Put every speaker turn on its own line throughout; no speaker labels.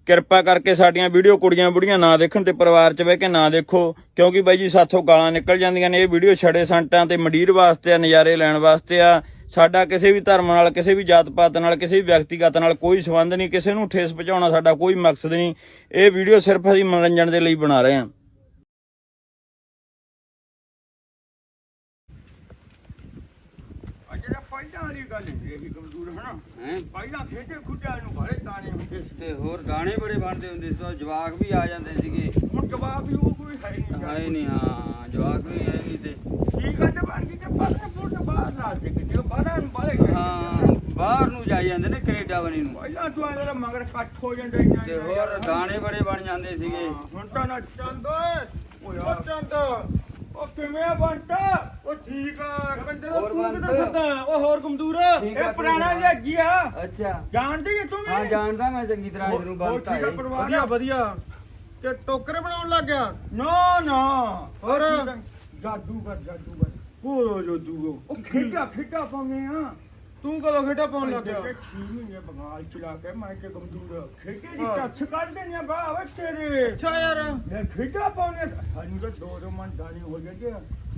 ਕਿਰਪਾ ਕਰਕੇ ਸਾਡੀਆਂ ਵੀਡੀਓ ਕੁੜੀਆਂ ਬੁੜੀਆਂ ਨਾ ਦੇਖਣ ਤੇ ਪਰਿਵਾਰ 'ਚ ਬਹਿ ਕੇ ਨਾ ਦੇਖੋ, ਕਿਉਂਕਿ ਬਾਈ ਜੀ ਸਾਥੋਂ ਗਾਲਾਂ ਨਿਕਲ ਜਾਂਦੀਆਂ ਨੇ। ਇਹ ਵੀਡੀਓ ਛੜੇ ਸੰਟਾਂ ਤੇ ਮੰਡੀਰ ਵਾਸਤੇ ਆ, ਨਜ਼ਾਰੇ ਲੈਣ ਵਾਸਤੇ ਆ। ਸਾਡਾ ਕਿਸੇ ਵੀ ਧਰਮ ਨਾਲ, ਕਿਸੇ ਵੀ ਜਾਤ ਪਾਤ ਨਾਲ, ਕਿਸੇ ਵੀ ਵਿਅਕਤੀਗਤ ਨਾਲ ਕੋਈ ਸੰਬੰਧ ਨਹੀਂ। ਕਿਸੇ ਨੂੰ ਠੇਸ ਪਹੁੰਚਾਉਣਾ ਸਾਡਾ ਕੋਈ ਮਕਸਦ ਨਹੀਂ। ਇਹ ਵੀਡੀਓ ਸਿਰਫ ਅਸੀਂ ਮਨੋਰੰਜਨ ਦੇ ਲਈ ਬਣਾ ਰਹੇ ਹਾਂ। ਪਹਿਲਾਂ ਵਾਲੀ ਗੱਲ ਇਹ ਕਮਜ਼ੋਰ ਹੈ ਨਾ, ਪਹਿਲਾਂ ਖੇਡੇ ਖੁੱਡਿਆਂ ਨੂੰ ਬੜੇ ਤਾਣੇ ਹੁੰਦੇ ਸੀ
ਤੇ ਹੋਰ ਗਾਣੇ ਬੜੇ ਬਣਦੇ ਹੁੰਦੇ ਸੀ, ਜਵਾਕ ਵੀ ਆ ਜਾਂਦੇ ਸੀਗੇ।
ਹੁਣ ਜਵਾਬ ਵੀ ਉਹ ਕੋਈ ਹੈ
ਨਹੀਂ। ਹਾਂ ਜਵਾਕ ਵੀ ਹੈ ਨਹੀਂ ਤੇ
ਠੀਕ ਹੈ। ਤੇ ਬਣ ਗਈ ਤੇ ਪਾਸਪੋਰਟ ਬਾਹਰ ਲਾ ਦੇ ਕਿ ਬਾਹਰਾਂ ਨੂੰ ਬਾਹਰ
ਹਾਂ ਬਾਹਰ ਨੂੰ ਜਾਈ ਜਾਂਦੇ ਨੇ, ਕੈਨੇਡਾ ਬਣੀ ਨੂੰ।
ਪਹਿਲਾਂ ਤੂੰ ਆਇਆ ਮਗਰ ਇਕੱਠ ਹੋ ਜਾਂਦੇ
ਤੇ ਹੋਰ ਗਾਣੇ ਬੜੇ ਬਣ ਜਾਂਦੇ ਸੀਗੇ।
ਹੁਣ ਤਾਂ ਨਾ ਚੰਦ ਓਏ
ਉਹ ਚੰਦ
ਉਹ ਕਿਵੇਂ ਬੰਟਾ?
ਉਹ ਠੀਕ ਆ ਕੰਜਰ
ਹੋਰ
ਤੂੰ
ਬੰਦ।
ਕਿੱਧਰ ਫਿਰਦਾ ਉਹ ਹੋਰ ਕਮਜ਼ੋਰ
ਇਹ ਪੁਰਾਣਾ ਲੱਗੀ ਆ,
ਅੱਛਾ
ਜਾਣਦੀ ਹੈ ਤੂੰ?
ਹਾਂ ਜਾਣਦਾ ਮੈਂ ਚੰਗੀ ਤਰ੍ਹਾਂ ਇਹਨੂੰ
ਹੋਰ
ਬੰਦ
ਠੀਕ ਆ
ਹੈ।
ਪਰਿਵਾਰ?
ਵਧੀਆ ਵਧੀਆ ਤੇ ਟੋਕਰੇ ਬਣਾਉਣ ਲੱਗ ਗਿਆ।
ਨਾ
ਹੋਰ?
ਜਾਦੂਗਰ
ਉਹ ਜੋਦੂ
ਉਹ ਖੇਡਾ ਪਾਉਂਦੇ ਆ।
ਤੂੰ ਕਦੋਂ ਖੇਡਾ ਪਾਉਣ ਲੱਗ ਗਿਆ?
6 ਮਹੀਨੇ ਬੰਗਾਲ ਚਲਾ ਕੇ ਮੈਂ ਤੇ ਕਮਜ਼ੋਰ ਖੇਡੇ ਦੀ ਟੱਚ ਕੱਢ ਦੇਣੀਆਂ ਬਾਵਾ ਤੇਰੇ।
ਅੱਛਾ ਯਾਰ
ਮੈਂ ਖੇਡਾ ਪਾਉਂਦੇ ਸਾਨੂੰ ਤਾਂ ਦੋ ਮਨ ਦਾਣੀ ਹੋ ਗਏ।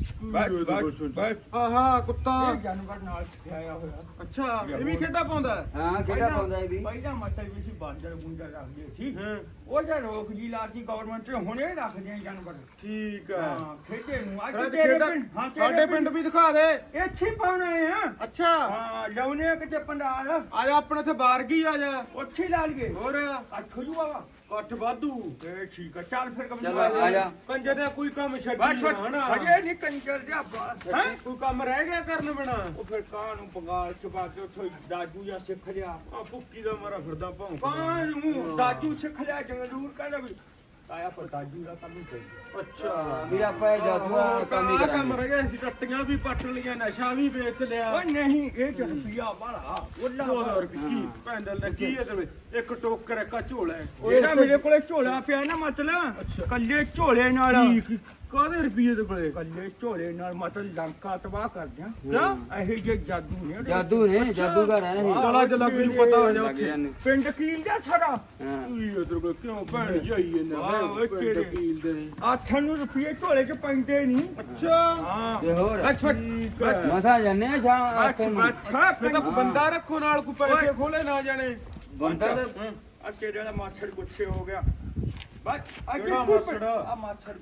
ਬਸ
ਆਹਾ ਕੁੱਤਾ
ਇਹ ਜਾਨਵਰ ਨਾਲ ਸਿਖਾਇਆ ਹੋਇਆ।
ਅੱਛਾ ਇਹ ਵੀ ਖੇਡਾ ਪਾਉਂਦਾ ਹੈ?
ਹਾਂ ਕਿਹੜਾ ਪਾਉਂਦਾ ਇਹ ਵੀ?
ਪਹਿਲਾਂ ਮਤਲਬ ਵੀ ਸੀ ਬਾਂਦਰ ਬੁੰਦਰ ਰੱਖਦੇ ਸੀ,
ਹਾਂ
ਉਹ ਜਾਂ ਰੋਕ ਜੀ ਲਾਤੀ ਗਵਰਨਮੈਂਟ ਨੇ, ਹੁਣੇ ਰੱਖਦੇ ਆ ਜਾਨਵਰ।
ਠੀਕ ਹੈ।
ਹਾਂ ਖੇਡੇ ਨੂੰ ਅੱਜ
ਅੱਜ
ਤੇਰੇ
ਖੇਡਾ
ਪਿੰਡ, ਹਾਂ
ਸਾਡੇ ਪਿੰਡ ਵੀ ਦਿਖਾ ਦੇ।
ਇੱਥੇ ਹੀ ਪਾਉਣੇ ਆ।
ਅੱਛਾ
ਹਾਂ ਲਾਉਣੇ ਕਿਤੇ ਪੰਡਾਲ
ਆ ਜਾ ਆਪਣੇ ਇੱਥੇ ਬਾਰਗੀ ਆ ਜਾ।
ਉੱਥੇ ਹੀ ਲਾ ਲਈਏ।
ਹੋਰ
ਅੱਠ ਹੋ ਜੂਗਾ।
ਕੱਠ ਵਾਧੂ
ਇਹ ਠੀਕ ਆ, ਚੱਲ ਫਿਰ
ਚੱਲ ਆ ਜਾ।
ਕੰਜਰ ਦਾ ਕੋਈ ਕੰਮ
ਬਸ
ਛੱਡੀ ਨਾ ਹਨਾ।
ਹਜੇ ਨਹੀਂ ਕੰਜਰ ਜਿਹਾ ਬਾਤ ਹੈ।
ਕੋਈ ਕੰਮ ਰਹਿ ਗਿਆ ਕਰਨ ਬਿਨਾ।
ਉਹ ਫਿਰ ਕਾਂ ਨੂੰ ਬੰਗਾਲ ਚਬਾ ਕੇ ਉੱਥੋਂ ਦਾਜੂ ਜਾਂ ਸਿੱਖ ਲਿਆ।
ਆ ਭੁੱਕੀ ਦਾ ਮਾਰਾ ਫਿਰਦਾ ਭੌਂਕ।
ਕਾਂ ਨੂੰ ਦਾਜੂ ਸਿੱਖ ਲਿਆ, ਜੰਗਲੂਰ ਕਹਿੰਦਾ ਵੀ ਆਇਆ ਪਰ ਦਾਜੂ ਦਾ ਕੰਮ ਹੀ ਚਾਹੀਦਾ।
ਅੱਛਾ
ਵੀ ਆਪਾਂ ਇਹ ਜਾਦੂ ਦਾ ਕੰਮ ਹੀ
ਕੰਮ
ਕਰਾਂਗੇ।
ਰਹਿ ਗਿਆ ਸੀ, ਟੱਟੀਆਂ ਵੀ ਪੱਟ ਲਈਆਂ, ਨਸ਼ਾ ਵੀ ਵੇਚ ਲਿਆ।
ਓਏ ਨਹੀਂ ਇਹ ਚ ਰੁਪਿਆ ਬਾਲਾ ਉਹਲਾ
2000 ਕੀ ਪੈਂਡਲ ਨੇ ਕੀ ਹੈ ਤੇ ਇੱਕ ਟੋਕਰ ਇੱਕ ਆਹ ਝੋਲਾ ਹੈ।
ਜਿਹੜਾ ਮੇਰੇ ਕੋਲੇ ਝੋਲਾ ਪਿਆ ਨਾ, ਮਤਲਬ ਕੱਲੇ ਝੋਲੇ ਨਾਲ,
ਕਾਹਦੇ ਰੁਪਏ ਦੇ ਕੋਲੇ?
ਕੱਲੇ ਝੋਲੇ ਨਾਲ ਮਤਲਬ ਲੰਕਾ ਤਬਾਹ ਕਰ ਦਿਆਂ।
ਕਿਆ
ਇਹੋ ਜਿਹੇ ਜਾਦੂ ਨੇ ਉਹਦੇ।
ਜਾਦੂ ਨੇ, ਜਾਦੂਗਰ ਹੈ ਇਹ।
ਚਲਾ ਚ ਲੱਗ ਜੂ ਪਤਾ ਹੋ ਜਾ
ਲੱਗ
ਉੱਥੇ।
ਜਾਂਦੇ।
ਪਿੰਡ ਕੀਲ ਦਾ ਸਾਰਾ
ਹਾਂ
ਕੀ ਇਧਰ ਕੋ ਕਿਉਂ ਭੈਣ ਜਾਈ
ਵਾਹ, ਓਏ
ਇਹਨਾਂ
ਤੇਰੇ।
ਵਕੀਲ ਦੇ।
ਆਥਾਂ ਨੂੰ ਰੁਪਏ ਝੋਲੇ ਚ ਪੈਂਦੇ ਨਹੀਂ।
ਅੱਛਾ
ਹਾਂ
ਤੇ ਹੋਰ
ਅੱਛਾ
ਠੀਕ ਹੈ।
ਮਸਾ ਜਾਣੇ ਆ ਸ਼ਾਮ
ਅੱਛਾ ਅੱਛਾ
ਫਿਰ ਤਾਂ ਕੋਈ ਬੰਦਾ ਰੱਖੋ ਨਾਲ, ਕੋਈ ਪੈਸੇ ਖੋਲੇ ਨਾ ਜਾਣੇ।
ਬੰਦਾ ਤਾਂ
ਆ ਤੇਰੇ ਦਾ ਮਾਛੜ ਗੁੱਸੇ ਹੋ ਗਿਆ। ਬਸ ਅੱਜ
ਕਿਹੜਾ
ਕੋਈ
ਮਾਛੜ?
ਆ ਮਾਛੜ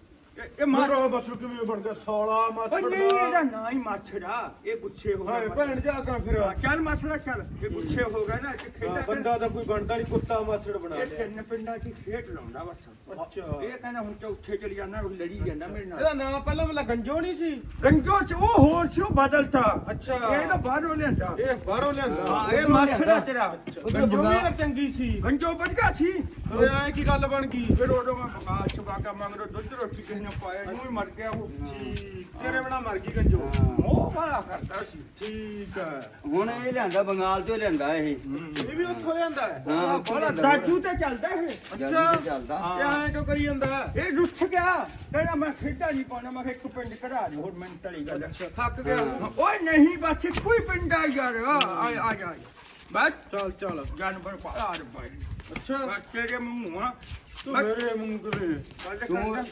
ਇਹ ਮਾਛੜ।
ਮਾਰੋ ਬਸ ਕਿਵੇਂ ਬਣ ਗਿਆ ਸਾਲਾ
ਓਏ
ਮਾਛੜ
ਨਹੀਂ ਇਹਦਾ ਨਾਂ ਹੀ ਮਾਛੜਾ, ਇਹ ਗੁੱਸੇ ਹੋ
ਹਾਏ
ਗਿਆ।
ਭੈਣ ਜਾ ਕੇ ਫਿਰ
ਚੱਲ ਮਾਛੜਾ ਚੱਲ, ਇਹ ਗੁੱਸੇ ਹੋ ਗਿਆ ਨਾ, ਇਹ ਖੇਡਾ
ਬੰਦਾ ਤਾਂ ਕੋਈ ਬਣਦਾ ਨਹੀਂ, ਕੁੱਤਾ ਮਾਛੜ ਬਣਾ
ਇਹ
ਲਿਆ।
ਤਿੰਨ ਪਿੰਡਾਂ 'ਚ ਖੇਡ ਲਾਉਂਦਾ ਬਸ।
ਅੱਛਾ
ਇਹ ਕਹਿੰਦਾ ਹੁਣ ਚੌਥੇ ਚਲੀ ਜਾਂਦਾ, ਉਹ ਲੜੀ ਜਾਂਦਾ ਮੇਰੇ ਨਾਲ।
ਇਹਦਾ ਨਾਂ ਪਹਿਲਾਂ ਮਤਲਬ ਗੰਜੋ ਨਹੀਂ ਸੀ?
ਗੰਜੋ ਚ ਉਹ ਹੋਰ ਸੀ, ਉਹ ਬਦਲਤਾ।
ਅੱਛਾ
ਇਹ ਤਾਂ ਬਾਹਰੋਂ ਲਿਆਂਦਾ।
ਇਹ ਬਾਹਰੋਂ ਲਿਆਂਦਾ।
ਹਾਂ ਇਹ ਮਾਛੜਾ ਤੇਰਾ।
ਗੰਜੋ ਵੀ ਤਾਂ ਚੰਗੀ ਸੀ।
ਗੰਜੋ ਵੱਜ ਗਿਆ ਸੀ।
ਫਿਰ ਐ ਕੀ ਗੱਲ ਬਣ ਗਈ?
ਫਿਰ ਉਦੋਂ ਮੈਂ ਬਗਾ ਚੁਕਾ ਕੇ ਮੰਗਦਾ ਦੁੱਧ ਰੋਟੀ ਕਿਸੇ ਨੇ ਪਾਇਆ ਨੂੰ ਹੀ ਮਰ ਗਿਆ ਉਹ।
ਤੇਰੇ ਬਿਨਾ ਮਰ ਗਈ ਗੰਜੋ।
ਉਹ ਵਾਲਾ ਕਰਦਾ ਸੀ।
ਠੀਕ ਹੈ।
ਹੁਣ ਇਹ ਲਿਆਂਦਾ ਬੰਗਾਲ ਤੋਂ ਲਿਆਂਦਾ ਇਹ।
ਇਹ ਵੀ ਉੱਥੋਂ ਲਿਆਂਦਾ ਹੈ?
ਹਾਂ
ਬੜਾ ਦਾਜੂ ਤੇ ਚੱਲਦਾ ਇਹ।
ਅੱਛਾ
ਚੱਲਦਾ।
ਇਹ ਐਂ ਕਿਉਂ ਕਰੀ ਜਾਂਦਾ?
ਇਹ ਰੁੱਠ ਗਿਆ, ਕਹਿੰਦਾ ਮੈਂ ਖੇਡਾਂ ਨਹੀਂ ਪਾਉਣਾ। ਮੈਂ ਕਿਹਾ ਇੱਕ ਪਿੰਡ ਕਢਾ ਦੇ, ਹੋਰ ਮਿੰਟ ਵਾਲੀ ਗੱਲ ਹੈ।
ਥੱਕ ਗਿਆ।
ਓਏ ਨਹੀਂ ਬਸ ਇੱਕੋ ਹੀ ਪਿੰਡ ਆ ਯਾਰ। ਆ ਜਾ ਬਸ
ਚੱਲ ਚੱਲ।
ਜਾਨਵਰ ਪਾਲਾ ਭਾਈ।
ਅੱਛਾ
ਬਸ ਤੇਰੇ ਮੂੰਹ ਆ
ਤੂੰ ਮੇਰੇ ਮੂੰਹ ਦੇ।
ਗੱਲ
ਤੂੰ-
ਕਰਦਾ।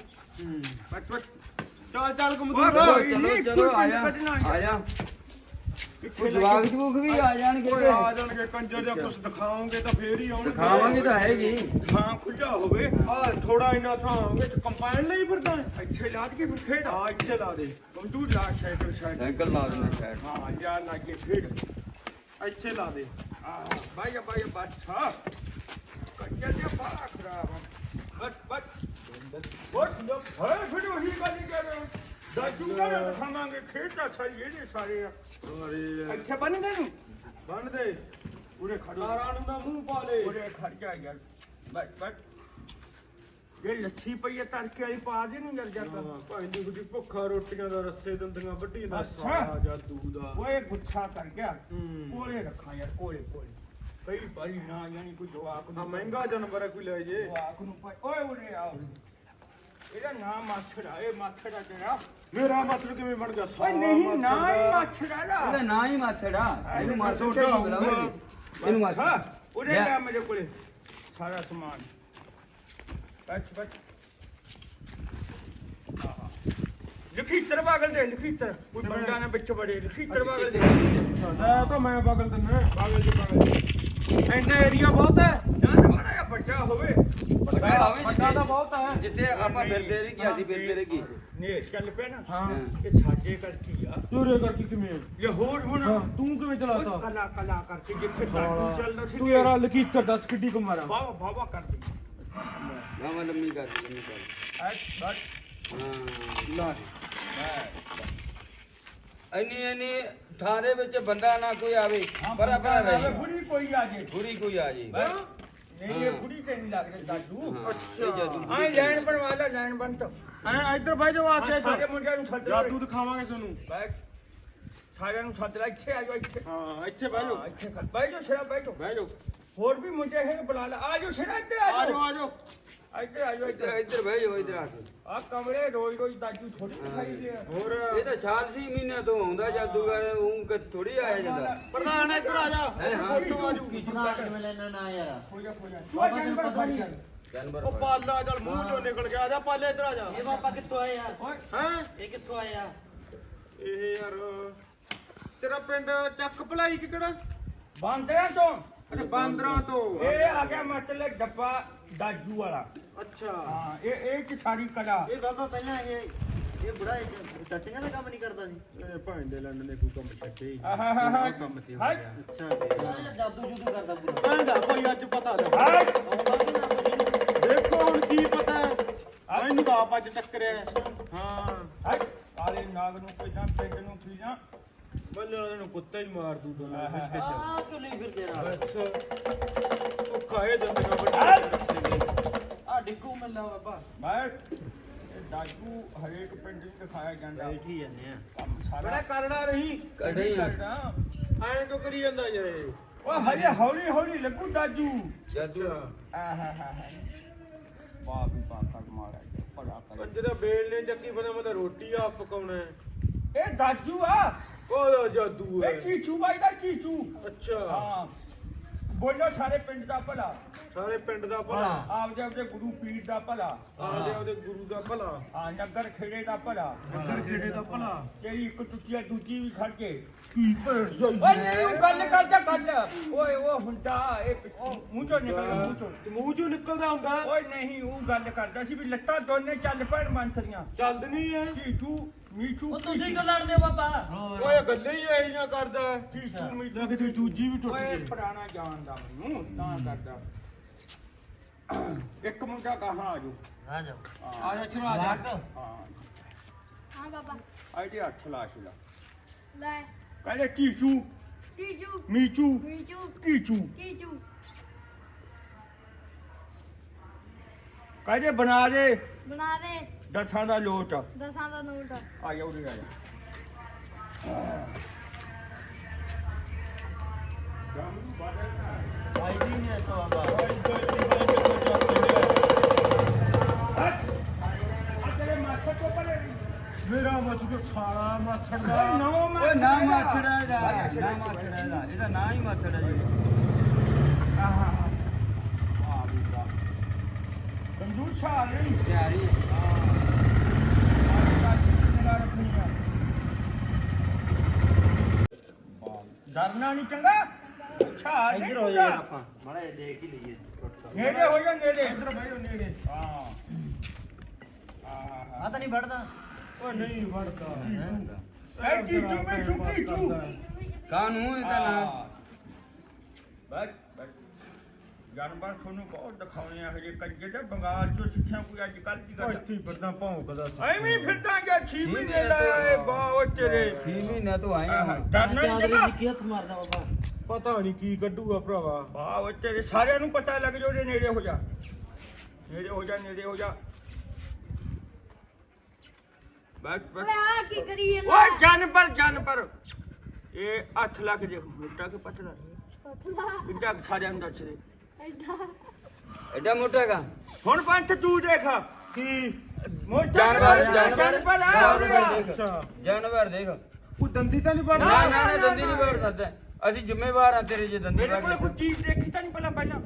ਬਸ
ਚੱਲ ਚੱਲ
ਓਏ
ਕਮਦੂਰ।
ਕੋਈ
ਚਲੋ
ਨਹੀਂ,
ਚਲੋ
ਕੋਈ
ਆ ਜਾ
ਕੱਢਣਾ
ਆ ਜਾ।
ਕਿੱਥੇ
ਕੋਈ ਜਵਾਕ ਜਵੂਕ ਵੀ ਆ ਜਾਣਗੇ
ਓਏ
ਤੇ
ਆ ਜਾਣਗੇ ਕੰਜਰ ਜਾਂ ਕੁਝ ਦਿਖਾਓਗੇ ਤਾਂ ਫੇਰ ਹੀ ਆਉਣਗੇ।
ਖਾਵਾਂਗੇ ਤਾਂ ਹੈਗੀ।
ਥਾਂ ਖੁੱਲਾ ਹੋਵੇ,
ਆ ਥੋੜਾ ਇੰਨਾ ਥਾਂ ਵਿੱਚ ਕੰਪਾਈਨ ਲਈ ਫਿਰਦਾ ਹੈ।
ਇੱਥੇ ਲਾਦ ਕੇ ਫਿਰ ਖੇਡ।
ਆ ਇੱਥੇ ਲਾ ਦੇ।
ਕੰਦੂਰ ਲਾ ਸਾਈਕਲ ਸਾਈਡ।
ਸਾਈਕਲ ਲਾ ਦੇਣਾ ਸ਼ਾਇਦ।
ਹਾਂ ਜਾ ਲਾ ਕੇ ਖੇਡ।
ਇੱਥੇ ਲਾ ਦੇ।
ਬਾਈ ਬਾਦਸ਼ਾਹ ਕੱਜਾ ਤੇ ਬਾਹਰ ਖਰਾਬ ਆ। ਬਸ ਬਹੁਤ ਲੋਕ ਹੈ ਫਿਰ ਉਹੀ ਗੱਲ ਹੀ ਕਰ ਰਹੇ। ਦਾਜੂ ਦਾ ਖਾਵਾਂਗੇ, ਖੇਡਦਾ ਸਾਰੀ ਇਹਦੇ ਸਾਰੇ ਆ।
ਅਰੇ
ਇੱਥੇ ਬੰਨ ਦੇ ਨੂੰ
ਬੰਨ ਦੇ।
ਉਰੇ ਖੜੋ,
ਤਾਰਾਂ ਨੂੰ ਨਾ ਮੂੰਹ ਪਾ ਲੈ।
ਉਰੇ ਖੜ ਜਾ ਯਾਰ। ਬਸ ਇਹ ਲੱਛੀ ਪਈ ਹੈ ਤੜਕੇ ਵਾਲੀ ਪਾ ਦੇ ਨੂੰ ਜਰ ਜਾਂਦਾ।
ਭਾਈ ਦੀ ਗੁੱਡੀ ਭੁੱਖਾ ਰੋਟੀਆਂ ਦਾ ਰਸਤੇ ਦੰਦੀਆਂ ਵੱਢੀ ਦਾ
ਅੱਛਾ।
ਸਾਰਾ ਜਾਦੂ ਦਾ।
ਓਏ ਗੁੱਛਾ ਕਰ ਗਿਆ।
ਹੂੰ।
ਕੋਲੇ ਰੱਖਾਂ ਯਾਰ, ਕੋਲੇ ਕਈ ਬਾਰੀ ਨਾ ਯਾਨੀ ਕੋਈ ਜਵਾਕ
ਆ
ਨੂੰ
ਮਹਿੰਗਾ ਜਾਨਵਰ ਹੈ, ਕੋਈ ਲੈ ਜੇ।
ਜਵਾਕ ਨੂੰ ਓਏ ਉਰੇ ਆ। ਇਹਦਾ ਨਾਮ ਮਾਛੜਾ, ਇਹ ਮਾਛੜਾ ਤੇਰਾ।
ਮੇਰਾ ਮਤਲਬ ਕਿਵੇਂ ਬਣ ਗਿਆ?
ਓਏ ਨਹੀਂ ਨਾ ਹੀ ਮਾਛੜਾ
ਇਹਦਾ
ਦਾ।
ਨਾਂ ਹੀ ਮਾਛੜਾ। ਇਹਨੂੰ ਮਾਛੜਾ
ਛੋਟਾ ਹੋਊਗਾ।
ਇਹਨੂੰ ਮਾਛੜਾ।
ਹਾਂ ਉਰੇ ਆ ਮੇਰੇ ਕੋਲੇ। ਸਾਰਾ ਸਮਾਨ ਬੱਚ ਲਖੀਤਰ ਬਾਗਲ ਦੇ ਲਖੀਤਰ ਕੋਈ ਬੰਦਾ ਨਾ ਵਿੱਚ ਬੜੇ ਲਖੀਤਰ ਬਾਗਲ ਦੇ
ਤਾਂ ਮੈਂ ਬਗਲ ਦਿੰਨਾ ਬਗਲ ਇੰਨਾ ਏਰੀਆ ਬਹੁਤ ਹੈ
ਜਾਂ ਬੜਾ ਜਿਹਾ ਵੱਡਾ ਹੋਵੇ
ਵੱਡਾ ਤਾਂ ਬਹੁਤ ਹੈ
ਜਿੱਥੇ ਆਪਾਂ ਫਿਰਦੇ ਰਹੀ ਗਿਆ ਸੀ ਫਿਰਦੇ ਰਹੀ ਕੀ
ਨੇ ਚੱਲ ਪਿਆ ਨਾ
ਹਾਂ
ਇਹ ਸਾਡੇ ਕਰਕੇ ਆ
ਤੂਰੇ ਕਰਕੇ ਕਿਵੇਂ
ਇਹ ਹੋਰ ਹੁਣ
ਤੂੰ ਕਿਵੇਂ ਚਲਾਤਾ
ਕਲਾ ਕਰਕੇ ਜਿੱਥੇ ਦਾਦੂ ਚੱਲਦਾ ਸੀ
ਤੂੰ ਯਾਰ ਲਕੀਤਰ ਦੱਸ ਕਿੱਡੀ ਕੁ ਮਾਰਾਂ
ਵਾਵਾ ਕਰਦੇ
ਮਾਮਾ ਲੰਮੀ ਕਰ
ਐਸ ਬਸ
ਹਾਂ
ਲਾ
ਇੰਨੀ ਥਾਂ ਦੇ ਵਿੱਚ ਬੰਦਾ ਨਾ ਕੋਈ ਆਵੇ ਪਰ ਪਰ ਰਹੀ
ਬੁੜੀ ਕੋਈ ਆ ਜੇ
ਬੁਰੀ ਕੋਈ ਆ ਜੀ
ਨਹੀਂ ਇਹ ਬੁੜੀ ਤੇ ਨਹੀਂ ਲੱਗ ਰਿਹਾ ਦਾਦੂ
ਅੱਛਾ
ਹਾਂ ਲਾਈਨ ਬਣਵਾ ਲੈ ਲਾਈਨ ਬਣ ਤਾ
ਐ ਇੱਧਰ ਬਹਿ ਜਾਓ ਆ ਕੇ
ਸਾਡੇ ਮੁੰਡਿਆਂ ਨੂੰ ਸੱਦ ਲੈ
ਜਾਦੂ ਦਿਖਾਵਾਂਗੇ ਤੁਹਾਨੂੰ
ਬੈਠ ਸਾਰਿਆਂ ਨੂੰ ਸੱਦ ਲੈ ਇੱਥੇ ਆ ਜਾਓ ਇੱਥੇ
ਹਾਂ ਇੱਥੇ ਬਹਿ ਜਾਓ
ਇੱਥੇ ਬਹਿ ਜਾਓ ਸਿਰਾ ਬਹਿ ਜਾਓ
ਬਹਿ ਜਾਓ
ਹੋਰ ਵੀ ਮੁੰਡੇ ਹੈ ਬੁਲਾ ਲੈ ਆ ਜਾਓ ਸਿਰਾ ਇੱਧਰ ਆ
ਆ ਜਾਓ
ਜਾਓ
ਆ ਜਾਓ
ਇੱਧਰ ਆ ਜਾਓ
ਇੱਧਰ
ਇੱਧਰ
ਇੱਧਰ ਬਹਿ ਜਾਓ ਇੱਧਰ ਆ ਕੇ
ਆ ਕਮਰੇ ਰੋਜ਼ ਦਾਦੂ ਥੋੜੀ ਦਿਖਾਈ ਦੇ
ਹੋਰ
ਇਹ ਤਾਂ ਸਾਲ 6 ਮਹੀਨਿਆਂ ਤੋਂ ਆਉਂਦਾ ਜਾਦੂਗਰ ਉਹ ਥੋੜੀ ਆਇਆ ਜਾਂਦਾ
ਪ੍ਰਧਾਨ ਇੱਧਰ ਆ ਜਾ
ਹਾਂ।
ਫੋਟੋ ਆ ਜੂਗੀ
ਹੋ ਜਾ ਤੂੰ ਜਾਨਵਰ ਬਣ ਜਾ
ਜਾਨਵਰ
ਉਹ ਪਾਲਾ ਚੱਲ ਮੂੰਹ ਚੋਂ ਨਿਕਲ ਗਿਆ ਆ ਜਾ ਪਾਲੇ ਇੱਧਰ ਆ ਜਾ
ਇਹ ਬਾਬਾ ਕਿੱਥੋਂ ਆਏ ਆ
ਓਏ
ਹੈ
ਇਹ ਕਿੱਥੋਂ ਆਏ ਆ
ਇਹ ਯਾਰ ਤੇਰਾ ਪਿੰਡ ਚੱਕ ਭਲਾਈ ਕਿ ਕਿਹੜਾ
ਬਾਂਦਰਿਆਂ ਤੋਂ
ਅੱਛਾ ਬਾਂਦਰਾਂ ਤੋਂ
ਇਹ ਆ ਗਿਆ ਮਤਲਬ ਡੱਬਾ ਦਾਜੂ ਵਾਲਾ
ਅੱਛਾ
ਹਾਂ ਇਹ ਚ ਸਾਰੀ ਕਲਾ
ਇਹ ਬਾਬਾ ਪਹਿਲਾਂ ਇਹ ਬੁੜਾ ਟੱਟੀਆਂ ਦਾ ਕੰਮ ਨਹੀਂ ਕਰਦਾ ਸੀ
ਇਹ ਭਾਂ ਦੇ ਲੰਡ ਨੇ ਕੋਈ ਕੰਮ ਛੱਡੇ ਹੀ
ਆਹਾਹਾ
ਕੰਮ ਤੇ ਹੋ
ਹਾਏ
ਗਿਆ
ਅੱਛਾ ਜਾਦੂ ਜੂਦੂ ਕਰਦਾ ਪੂਰਾ
ਕਹਿੰਦਾ ਕੋਈ ਅੱਜ ਪਤਾ ਲੱਗਾ
ਹਾਏ
ਆਉਂਦਾ ਕਿ ਨਾ ਕੁਝ
ਦੇਖੋ ਹੁਣ ਕੀ ਪਤਾ ਮੈਨੂੰ ਤਾਂ ਆਪ ਅੱਜ ਟੱਕਰਿਆ ਹਾਂ
ਹਾਏ ਕਾਲੇ ਨਾਗ ਨੂੰ ਕੋਈ ਨਾ ਪਿੰਡ ਨੂੰ ਕੀ ਨਾ
ਬੱਲੇ ਉਹਨਾਂ ਨੂੰ ਕੁੱਤਾ ਹੀ ਮਾਰ ਦੂ ਦੋਨਾਂ ਖਿੱਚ ਕੇ ਚੱਲ
ਆ ਕਿਉਂ ਲਈ ਫਿਰਦੇ ਨਾਲ
ਬਸ ਉਹ ਕਾਹੇ ਦੰਦੇ ਨਾ
ਹਾਏ।
ਵੱਡੇ
ਆ ਡਿੱਗੂ ਮਿਲਦਾ ਬਾਬਾ
ਮੈਂ ਇਹ ਦਾਜੂ ਹਰੇਕ ਪਿੰਡ ਨੂੰ ਦਿਖਾਇਆ ਜਾਂਦਾ
ਬੈਠੀ ਜਾਂਦੇ ਆ
ਕੰਮ ਸਾਰਾ
ਬੜਾ ਕਰਨਾ ਰਹੀ
ਕਢੇ
ਕਰਦਾ
ਐਂ ਕਿਉਂ ਕਰੀ ਜਾਂਦਾ ਯਾਰ ਇਹ
ਉਹ ਹਜੇ ਹੌਲੀ ਹੌਲੀ ਲੱਗੂ ਦਾਜੂ
ਜਾਦੂ
ਆਹਾਹਾ ਵਾਹ ਵੀ ਬਾਕਾ ਮਾਰਿਆ ਭਲਾ ਕਰੇ
ਅੱਜ ਦਾ ਬੇਲ ਨੇ ਚੱਕੀ ਪਤਾ ਮੈਂ ਤਾਂ ਰੋਟੀ ਆ ਪਕਾਉਣਾ ਹੈ
ਇਹ ਦਾਜੂ ਆ
ਕੋਦਾ ਜਾਦੂ ਹੈ
ਇਹ ਚੀਚੂ ਬਾਈ ਦਾ ਚੀਚੂ
ਅੱਛਾ
ਹਾਂ ਬੋਲੋ ਸਾਰੇ ਪਿੰਡ ਦਾ ਭਲਾ
ਸਾਰੇ ਪਿੰਡ ਦਾ ਭਲਾ
ਆਪਦੇ ਆਪਦੇ ਗੁਰੂ ਪੀਰ ਦਾ ਭਲਾ
ਆਦੇ ਉਹਦੇ ਗੁਰੂ ਦਾ ਭਲਾ
ਹਾਂ ਨਗਰ ਖੇੜੇ ਦਾ ਭਲਾ
ਨਗਰ ਖੇੜੇ ਦਾ ਭਲਾ
ਤੇਰੀ ਇੱਕ ਟੁੱਟੀਆ ਦੂਜੀ ਵੀ ਖੜ ਕੇ
ਕੀ ਭੇੜ ਜਾਈ
ਓਏ ਨਹੀਂ ਉਹ ਗੱਲ ਕਰਦਾ ਗੱਲ ਓਏ ਉਹ ਹੁੰਦਾ ਇਹ ਮੂੰਹ ਚੋਂ ਨਿਕਲ ਗਿਆ, ਮੂੰਹ ਚੋਂ
ਤੇ ਮੂੰਹ ਚੋਂ ਨਿਕਲਦਾ ਹੁੰਦਾ
ਓਏ ਨਹੀਂ ਉਹ ਗੱਲ ਕਰਦਾ ਸੀ ਵੀ ਲੱਤਾਂ ਦੋਨੇ ਚੱਲ ਪੈਣ ਮੰਤਰੀਆਂ
ਚੱਲਦ ਨਹੀਂ ਹੈ
ਚੀਚੂ ਮੀਚੂ
ਉਹ ਤੁਸੀਂ ਕਿਉਂ ਲੜਦੇ ਬਾਬਾ
ਓਏ ਗੱਲੇ ਹੀ ਐਹੀਆਂ ਕਰਦਾ
ਚੀਚੂ ਮੀਚੂ
ਲੱਗਦੀ ਦੂਜੀ ਵੀ ਟੁੱਟ
ਓਏ
ਗਈ
ਪੁਰਾਣਾ ਜਾਣਦਾ ਮੈਨੂੰ ਤਾਂ ਕਰਦਾ ਇੱਕ ਮੁੰਡਾ ਕਹਾਂ ਆਜੋ
ਆ ਜਾਓ
ਆ ਜਾ ਚਲੋ ਆ ਜਾ
ਹਾਂ
ਹਾਂ ਬਾਬਾ
ਆਈਡੀ ਹੱਥ ਲਾ ਛਲਾ
ਲੈ
ਕਹਿੰਦੇ ਚੀਚੂ
ਟੀਜੂ
ਮੀਚੂ
ਮੀਚੂ
ਕੀਚੂ
ਕੀਚੂ
ਕਹਿੰਦੇ ਬਣਾ ਦੇ
ਬਣਾ ਦੇ
ਦਸਾਂ ਦਾ ਲੋਟ
ਦਸਾਂ ਦਾ ਨੋਟ
ਆ ਜਾ ਉਰੇ ਆ ਜਾ
ਆਈ ਦੀ ਨਹੀਂ ਇੱਥੋਂ ਬਾਬਾ
ਤੇਰੇ ਮਾਥੇ ਤੋਂ ਪਰੇ
ਮੇਰਾ ਮੱਛ ਕੇ ਸਾਲਾ ਮੱਛੜ ਦਾ
ਓਏ ਨਾ ਮਾਛੜਾ ਇਹਦਾ ਨਾ ਮਾਛੜਾ ਇਹਦਾ ਨਾਂ ਹੀ ਮਾਛੜਾ ਜੀ
ਬੰਦੂਕ ਛਾ ਨਹੀਂ
ਤਿਆਰੀ
ਡਰਨਾ ਨਹੀਂ ਚੰਗਾ ਛਾ ਨਹੀਂ
ਇੱਧਰ ਹੋ ਜਾ ਆਪਾਂ ਮਾੜਾ ਜਿਹਾ ਦੇਖ ਹੀ ਲਈਏ
ਨੇੜੇ ਹੋ ਜਾ ਨੇੜੇ
ਇੱਧਰ ਬਹਿ ਜਾ ਨੇੜੇ
ਹਾਂ
ਆ ਤਾਂ ਨਹੀਂ ਵੜਦਾ
ਓਏ ਨਹੀਂ ਵੜਦਾ
ਐ ਚੀਚੂ ਮੈਂ ਚੁੱਕੀ ਚੂ
ਕਾਨੂੰ ਇਹਦਾ ਨਾਂ
ਬੈਠ ਬੈਠ ਜਾਨਵਰ ਤੁਹਾਨੂੰ ਬਹੁਤ ਦਿਖਾਉਣੇ ਆ ਹਜੇ ਕੰਜੇ ਤੇ ਬੰਗਾਲ ਚੋਂ ਸਿੱਖਿਆ ਕੋਈ ਅੱਜ ਕੱਲ ਦੀ
ਓਏ
ਗੱਲ
ਇੱਥੇ ਹੀ ਫਿਰਦਾ ਭੌਂਕਦਾ ਸੀ
ਐਵੇਂ ਫਿਰਦਾ ਗਿਆ 6 ਮਹੀਨੇ ਲਾਏ ਬਹੁਤ ਤੇਰੇ
6 ਮਹੀਨਿਆਂ ਤੋਂ ਆਏ ਆ
ਡਰਨਾ ਨਹੀਂ ਚੰਗਾ
ਕੀ ਹੱਥ ਮਾਰਦਾ ਬਾਬਾ
ਪਤਾ ਨਹੀਂ ਕੀ ਕੱਢੂਗਾ ਭਰਾਵਾ
ਵਾਹ ਤੇਰੇ ਸਾਰਿਆਂ ਨੂੰ ਪਤਾ ਲੱਗ ਜੋ ਨੇੜੇ ਹੋ ਜਾ ਨੇੜੇ ਹੋ ਜਾ ਨੇੜੇ ਹੋ ਜਾ ਬੈਠ ਬੈਠ
ਓਏ ਆ ਕੀ ਕਰੀ
ਓਏ ਜਾਨਵਰ ਇਹ 8 ਲੱਖ ਦੇ ਮੋਟਾ ਕੇ ਪਤਲਾ
ਪਤਲਾ
ਕਿੱਡਾ ਕੁ ਸਾਰਿਆਂ ਨੂੰ ਦੱਸ ਦੇ
ਐਡਾ
ਐਡਾ ਮੋਟਾ ਕਾ
ਹੁਣ ਪੰਥ ਤੂੰ ਦੇਖ
ਕੀ
ਮੋਟਾ ਜਾਨਵਰ ਆ ਉਰੇ ਆ।
ਅੱਛਾ
ਜਾਨਵਰ ਦੇਖ
ਉਹ ਦੰਦੀ ਤਾਂ ਨਹੀਂ
ਨਾ
ਵੜਦਾ
ਨਾ ਨਾ ਦੰਦੀ ਨਹੀਂ ਵੜ ਸਕਦਾ ਅਸੀਂ ਜ਼ਿੰਮੇਵਾਰ ਆ ਤੇਰੇ ਜੇ ਦੰਦੀ
ਮੇਰੇ ਕੋਲ
ਵੜ
ਕੋਈ ਚੀਜ਼ ਦੇਖੀ ਤਾਂ ਨਹੀਂ ਪਹਿਲਾਂ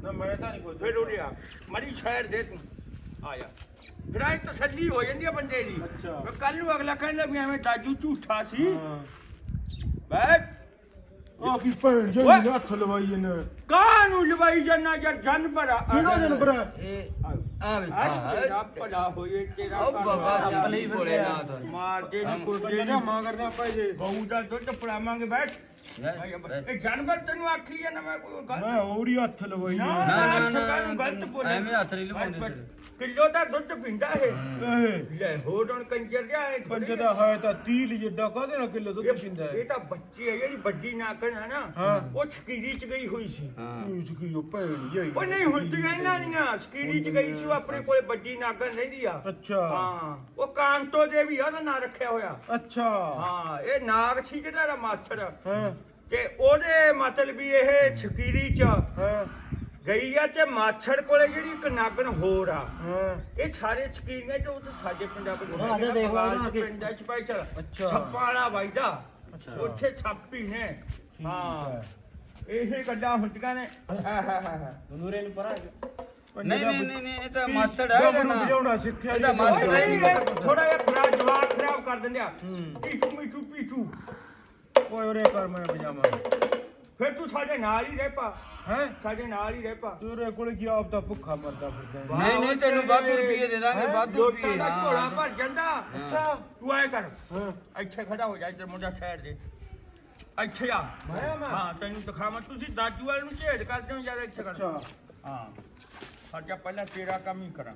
ਨਾ ਮੈਂ ਤਾਂ ਨਹੀਂ ਕੋਈ
ਫਿਰ ਉੜਿਆ ਮੜੀ ਸ਼ਹਿਰ ਦੇ ਤੂੰ ਆ ਜਾ ਫਿਰ ਆਈ ਤਸੱਲੀ ਹੋ ਜਾਂਦੀ ਆ ਬੰਦੇ ਦੀ
ਅੱਛਾ।
ਕੱਲ ਨੂੰ ਅਗਲਾ ਕਹਿੰਦਾ ਵੀ ਐਵੇਂ ਦਾਜੂ ਝੂਠਾ ਸੀ
ਹਾਂ
ਬੈਠ
ਆ ਕੀ ਭੈਣ ਜੀ
ਓਏ।
ਨੇ ਹੱਥ ਲਵਾਈ ਇਹਨੇ
ਕਾਹ ਨੂੰ ਲਵਾਈ ਜਨਾ ਜਾਂ ਜਾਨਵਰ ਆ
ਕਿਹੜਾ ਜਾਨਵਰ ਹੈ?
ਤੇਰਾ ਭਲਾ ਹੋਏ ਤੇਰਾ
ਉਹ ਬਾਬਾ
ਭਲਾ
ਰੱਬ ਲਈ
ਹੋਏ।
ਭੋਲੇਨਾਥ।
ਮਾਰ ਦੇ ਨੀ ਕੁਰਦੇ
ਬੰਦੇ ਮਾਂ ਕਰਦੇ ਆਪਾਂ ਜੇ
ਬਹੂ ਦਾ ਦੁੱਧ ਪੜਾਵਾਂਗੇ ਬੈਠ ਇਹ ਜਾਨਵਰ ਤੈਨੂੰ ਆਖੀ ਜਾਂਦਾ ਮੈਂ ਕੋਈ ਗੱਲ
ਮੈਂ ਔੜੀ ਹੱਥ ਲਵਾਈ
ਨਾ
ਇਹਨੇ।
ਨਾ ਹੱਥ ਕਾਹਨੂੰ ਗਲਤ ਬੋਲੇ
ਐਵੇਂ ਹੱਥ ਨਹੀਂ ਲਵਾਉਂਦੇ ਤੇਰੇ।
ਕਿਲੋ ਦਾ ਦੁੱਧ ਪੀਂਦਾ ਇਹ
ਇਹ
ਲੈ ਹੋਰ ਹੁਣ ਕੰਜਰ ਜਾ ਇਹ
ਬੰਦੇ ਦਾ ਹੈ ਤਾਂ 30 ਜਿੱਡਾ ਕਾਹਦੇ ਨਾਲ ਕਿਲੋ ਦੁੱਧ ਪੀਂਦਾ
ਇਹ
ਹੈ
ਤਾਂ ਬੱਚੀ ਹੈ ਜਿਹੜੀ ਵੱਡੀ ਨਾਕਣ ਹੈ ਨਾ
ਹਾਂ।
ਉਹ ਸਕੀਰੀ ਚ ਗਈ ਹੋਈ ਸੀ
ਉਸ ਕੀ ਉਹ ਭੈਣ ਜੀ
ਉਹ ਨਹੀਂ ਹੁੰਦੀਆਂ ਇਹਨਾਂ ਦੀਆਂ ਸਕੀਰੀ ਚ ਗਈ ਸੀ ਉਹ ਆਪਣੇ ਕੋਲੇ ਵੱਡੀ ਨਾਗਣ ਰਹਿੰਦੀ ਆ
ਅੱਛਾ
ਹਾਂ ਉਹ ਕਾਂਤੋ ਦੇਵੀ ਆ ਉਹਦਾ ਨਾਂ ਰੱਖਿਆ ਹੋਇਆ
ਅੱਛਾ
ਹਾਂ ਇਹ ਨਾਗ ਸੀ ਜਿਹੜਾ ਦਾ ਮਾਛੜ
ਹਾਂ
ਤੇ ਉਹਦੇ ਮਤਲਬ ਵੀ ਇਹ ਸਕੀਰੀ ਚ
ਹਾਂ
ਗਈ ਆ ਤੇ ਮਾਛੜ ਕੋਲੇ ਜਿਹੜੀ ਇੱਕ ਨਾਗਣ ਹੋਰ ਆ
ਹਾਂ
ਇਹ ਸਾਰੇ ਸਕੀਰੀਆਂ ਤੇ ਉਹ ਤਾਂ ਸਾਡੇ ਪੰਜਾਬ ਦੇ
ਹਾਂ, ਅੱਜ ਦੇਖ ਲਓ ਨਾ ਕਿ-
ਪਿੰਡਾਂ ਚ ਪਾਈ ਚਲ
ਅੱਛਾ।
ਛੱਪਾਂ ਵਾਲਾ ਵਾਈਦਾ
ਅੱਛਾ।
ਉੱਥੇ ਛਾਪੀ ਨੇ ਹਾਂ ਇਹ ਗੱਲਾਂ ਹੁੰਦੀਆਂ ਨੇ
ਨੂਰੇ ਨੂੰ ਪਰਾਂ
ਨਹੀਂ ਇਹ ਤਾਂ ਮਾਸੜ ਹੈ ਇਹਦਾ ਨਾਂ।
ਵਜਾਉਣਾ ਸਿੱਖਿਆ
ਇਹਦਾ
ਜੀ।
ਮਾਸੜ
ਓਏ ਨਹੀਂ ਥੋੜਾ ਜਿਹਾ ਖਰਾਬ ਜਵਾਬ ਖਰਾਬ ਕਰ ਦਿੰਦੇ ਆ ਪੀਚੂ ਮੀਚੂ ਪੀਚੂ
ਓਏ ਉਰੇ ਕਰ ਮੈਂ ਪਜਾਮਾ
ਫਿਰ ਤੂੰ ਸਾਡੇ ਨਾਲ ਹੀ ਰਹਿ ਪਾ
ਹੈ
ਸਾਡੇ ਨਾਲ ਹੀ ਰਹਿ ਪਾ
ਤੇਰੇ ਕੋਲ ਕੀ ਆਪ ਦਾ ਭੁੱਖਾ ਮਰਦਾ ਫਿਰਦਾ
ਨਹੀਂ ਤੈਨੂੰ ਵਾਧੂ ਰੁਪਏ ਦੇ ਦਾਂਗੇ ਵਾਧੂ
ਜੋਤਾਂ
ਰੁਪਏ
ਦਾ ਝੋਲਾ ਭਰ ਜਾਂਦਾ
ਅੱਛਾ
ਤੂੰ ਆਏ ਕਰ
ਹਾਂ
ਇੱਥੇ ਖੜਾ ਹੋ ਜਾ ਇੱਧਰ ਮੁੰਡਾ ਸਾਈਡ ਦੇ ਇੱਥੇ ਆ
ਮੈਂ
ਹਾਂ ਤੈਨੂੰ ਦਿਖਾਵਾਂ ਤੁਸੀਂ ਦਾਜੂ ਵਾਲੇ ਨੂੰ ਝੇੜ ਕਰਦੇ ਹੋ ਯਾਰ ਇੱਥੇ ਕਰ
ਅੱਛਾ
ਹਾਂ ਸਾਡਾ ਪਹਿਲਾਂ ਤੇਰਾ ਕੰਮ ਹੀ ਕਰਾਂ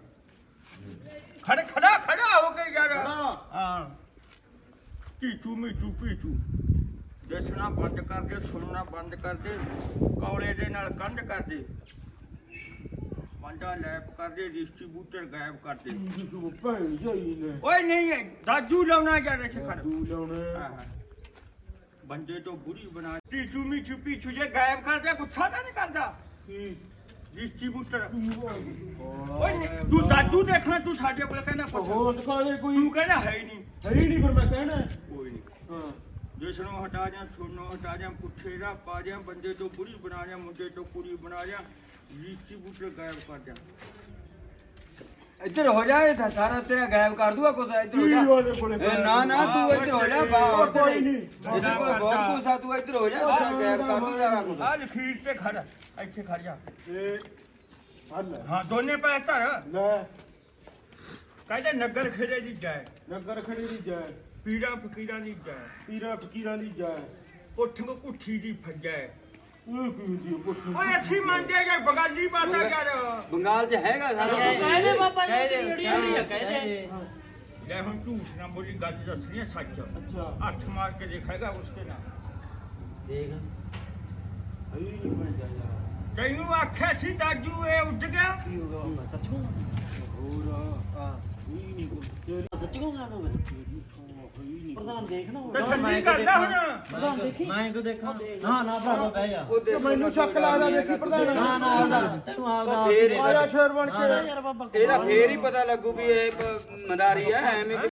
ਖੜਾ ਹੋ ਕੇ ਯਾਰ
ਖੜਾ।
ਹਾਂ ਪੀਚੂ ਮੀਚੂ ਪੀਚੂ ਦੇਖਣਾ ਬੰਦ ਕਰ ਦੇ ਸੁਣਨਾ ਬੰਦ ਕਰ ਦੇ ਕੌਲੇ ਦੇ ਨਾਲ ਕੰਧ ਕਰ ਦੇ ਮੰਡਾ ਲੈਪ ਕਰ ਦੇ ਡਿਸਟ੍ਰੀਬਿਊਟਰ ਗਾਇਬ ਕਰ ਦੇ
ਤੂੰ ਭੈਣ ਜੀ ਨੇ
ਓਏ ਨਹੀਂ ਹੈ ਦਾਜੂ ਲਾਉਣਾ ਯਾਰ ਇੱਥੇ ਖੜ
ਤੂੰ ਲਾਉਣੇ
ਹਾਂ, ਹਾਂ। ਬੰਦੇ ਤੋਂ ਬੁਰੀ ਬਣਾ ਪੀਚੂ ਮੀਚੂ ਪੀਚੂ ਜੇ ਗਾਇਬ ਕਰ ਦੇ ਗੁੱਸਾ ਤਾਂ ਨਹੀਂ ਕਰਦਾ
ਕੀ
ਡਿਸਟ੍ਰੀਬਿਊਟਰ
ਓਏ
ਓਏ ਨਹੀਂ, ਤੂੰ ਦਾਜੂ ਦੇਖਣਾ ਤੂੰ ਸਾਡੇ ਕੋਲ ਕਹਿੰਦਾ ਪੁੱਛ
ਹੋਰ ਦਿਖਾ ਦੇ ਕੋਈ
ਤੂੰ ਕਹਿੰਦਾ ਹੈ ਹੀ ਨਹੀਂ
ਹੈ ਹੀ ਨਹੀਂ ਪਰ ਮੈਂ ਕਹਿਣਾ
ਕੋਈ ਨਹੀਂ
ਹਾਂ
ਜਿਸ ਨੂੰ ਹਟਾ ਜਾਂ ਸੁਣਨੋਂ ਹਟਾ ਜਾਂ ਪੁੱਛੇ ਦਾ ਪਾ ਜਾਂ ਬੰਦੇ ਤੋਂ ਬੁਰੀ ਬਣਾ ਜਾਂ ਮੁੰਡੇ ਤੋਂ ਕੁੜੀ ਬਣਾ ਜਾਂ ਡਿਸਟ੍ਰੀਬਿਊਟਰ ਗਾਇਬ ਕਰ ਜਾਂ
ਇੱਧਰ ਹੋ ਜਾ ਇਹ ਤਾਂ ਸਾਰਾ ਤੇਰਾ ਗਾਇਬ ਕਰ ਦੂਗਾ ਕੁਛ ਇੱਧਰ ਹੋ ਜਾ
ਕੀ ਉਹਦੇ ਕੋਲੇ
ਇਹ ਨਾ ਤੂੰ ਇੱਧਰ ਹੋ ਜਾ
ਉਹ ਕੋਈ ਨਹੀਂ
ਇਹਦੇ ਕੋਲ ਬਹੁਤ ਕੁਛ ਆ ਤੂੰ ਇੱਧਰ ਹੋ ਜਾ ਤੇਰਾ ਗਾਇਬ ਕਰ ਦੂ ਸਾਰਾ ਕੁਛ
ਆ ਲਖੀਰ ਤੇ ਖੜ ਇੱਥੇ ਖੜ ਜਾ
ਇਹ ਹੱਲ
ਹਾਂ ਦੋਨੇ ਪੈਰ ਧਰ
ਲੈ
ਕਹਿੰਦੇ ਨਗਰ ਖੇੜੇ ਦੀ ਜਾਏ
ਨਗਰ ਖੜੀ ਦੀ ਜੈ
ਪੀੜਾ ਫਕੀਰਾਂ ਦੀ ਜਾਏ
ਪੀਰਾਂ ਫਕੀਰਾਂ ਦੀ ਜੈ
ਉੱਠ ਕੁੱਠੀ ਦੀ ਫੱਜੈ
ਉਹ ਕੀ ਹੁੰਦੀ ਹੈ ਪੁੱਤ
ਓਏ ਅਸੀਂ ਮੰਨਦੇ ਯਾਰ ਬਗਾਲੀ ਬਾਤਾਂ ਕਰ
ਬੰਗਾਲ 'ਚ ਹੈਗਾ ਸਾਰਾ
ਕਹਿੰਦੇ ਬਾਬਾ ਜੀ ਦੀ ਜਿਹੜੀ ਹੋਈ ਆ ਕਹਿੰਦੇ
ਲੈ ਹੁਣ ਝੂਠ ਨਾ ਬੋਲੀ ਗੱਲ ਦੱਸਣੀ ਹੈ ਸੱਚ
ਅੱਛਾ
ਹੱਥ ਮਾਰ ਕੇ ਦੇਖੇਗਾ ਉਸਕੇ ਨਾਲ
ਦੇਖ
ਹੈ ਹੀ ਨਹੀਂ ਬਣ ਜਾ ਯਾਰ
ਤੈਨੂੰ ਆਖਿਆ ਸੀ ਦਾਜੂ ਇਹ ਉੱਡ ਗਿਆ
ਕੀ ਹੋਗਾ ਹੁਣ ਸੱਚ
ਹੋਰ
ਹਾਂ
ਹੀ ਨਹੀਂ ਕੋਈ
ਸੱਚੀ ਕਹੂੰਗਾ ਉਹਨੂੰ ਪ੍ਰਧਾਨ ਦੇਖਣਾ
ਤੇ ਛੱਡੀ ਕਰਦਾ ਹੁਣ
ਪ੍ਰਧਾਨ ਦੇਖੀ
ਮੈਂ ਕਿਉਂ ਦੇਖਾਂ ਨਾ ਨਾ ਭਰਾ ਬਹਿ ਜਾ
ਮੈਨੂੰ ਸ਼ੱਕ ਲੱਗਦਾ ਵੇਖੀ ਪ੍ਰਧਾਨ
ਨਾ ਨਾ ਆਉਂਦਾ ਤੈਨੂੰ ਆਉਂਦਾ
ਆਇਆ ਸ਼ੇਰ ਬਣ ਕੇ
ਯਾਰ ਬਾਬਾ
ਇਹਦਾ ਫੇਰ ਹੀ ਪਤਾ ਲੱਗੂ ਵੀ ਇਹ ਮਦਾਰੀ ਆ ਐਵੇਂ